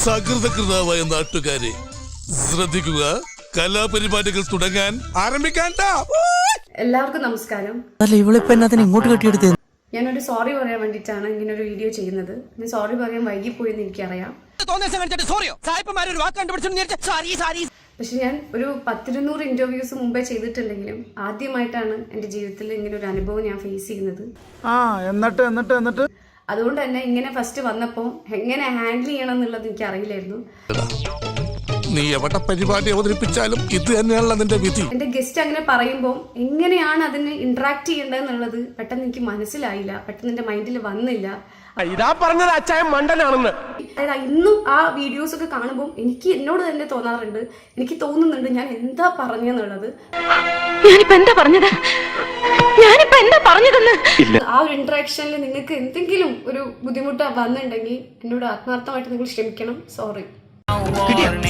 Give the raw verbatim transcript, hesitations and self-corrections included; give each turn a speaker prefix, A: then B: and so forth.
A: സകൃതകൃതാവായ നാട്ടുകാരെ ശ്രദ്ധിക്കുക, കലാപരിപാടികൾ തുടങ്ങാൻ ആരംഭിക്കാൻ.
B: എല്ലാവർക്കും നമസ്കാരം.
C: അല്ല ഇവളിപ്പോ എന്നാത്തിന് ഇങ്ങോട്ട് കെട്ടിയെടുത്ത്?
B: ഞാനൊരു സോറി പറയാൻ വേണ്ടിയിട്ടാണ് ഇങ്ങനെ ഒരു വീഡിയോ ചെയ്യുന്നത്. ഞാൻ സോറി പറയാൻ വൈകിപ്പോയെന്ന് എനിക്കറിയാം. പക്ഷെ ഞാൻ ഒരു പത്തിരുന്നൂറ് ഇന്റർവ്യൂസ് മുമ്പേ ചെയ്തിട്ടുണ്ടെങ്കിലും ആദ്യമായിട്ടാണ് എന്റെ ജീവിതത്തിൽ ഇങ്ങനെ ഒരു അനുഭവം ഞാൻ ഫേസ് ചെയ്യുന്നത്.
D: ആ എന്നിട്ട് എന്നിട്ട് എന്നിട്ട്
B: അതുകൊണ്ട് തന്നെ ഇങ്ങനെ ഫസ്റ്റ് വന്നപ്പോൾ എങ്ങനെ ഹാൻഡിൽ ചെയ്യണം എന്നുള്ളത് എനിക്ക് അറിയില്ലായിരുന്നു.
A: നീ എവിടെ പരിപാടി അവതരിപ്പിച്ചാലും ഇത് തന്നെയാണല്ലോ നിന്റെ വിധി.
B: എന്റെ ഗസ്റ്റ് അങ്ങനെ പറയുമ്പോൾ എങ്ങനെയാണ് അതിന് ഇന്ററാക്ട് ചെയ്യേണ്ടതെന്നുള്ളത് പെട്ടെന്ന് എനിക്ക് മനസ്സിലായില്ല, പെട്ടെന്ന് എന്റെ മൈൻഡിൽ വന്നില്ല.
E: ഇതാ പറഞ്ഞത് അച്ചായൻ മണ്ടനാണെന്ന്.
B: അതായത് ഇന്നും ആ വീഡിയോസ് ഒക്കെ കാണുമ്പോൾ എനിക്ക് എന്നോട് തന്നെ തോന്നാറുണ്ട്, എനിക്ക് തോന്നുന്നുണ്ട് ഞാൻ എന്താ പറഞ്ഞെന്നുള്ളത്.
F: ഞാനിപ്പോ എന്താ പറഞ്ഞത് ഞാനിപ്പോ എന്താ പറഞ്ഞതെന്ന്
B: ആ ഒരു ഇന്ററാക്ഷനിൽ നിങ്ങൾക്ക് എന്തെങ്കിലും ഒരു ബുദ്ധിമുട്ട് വന്നിട്ടുണ്ടെങ്കിൽ എന്നോട് ആത്മാർത്ഥമായിട്ട് നിങ്ങൾ ക്ഷമിക്കണം. സോറി.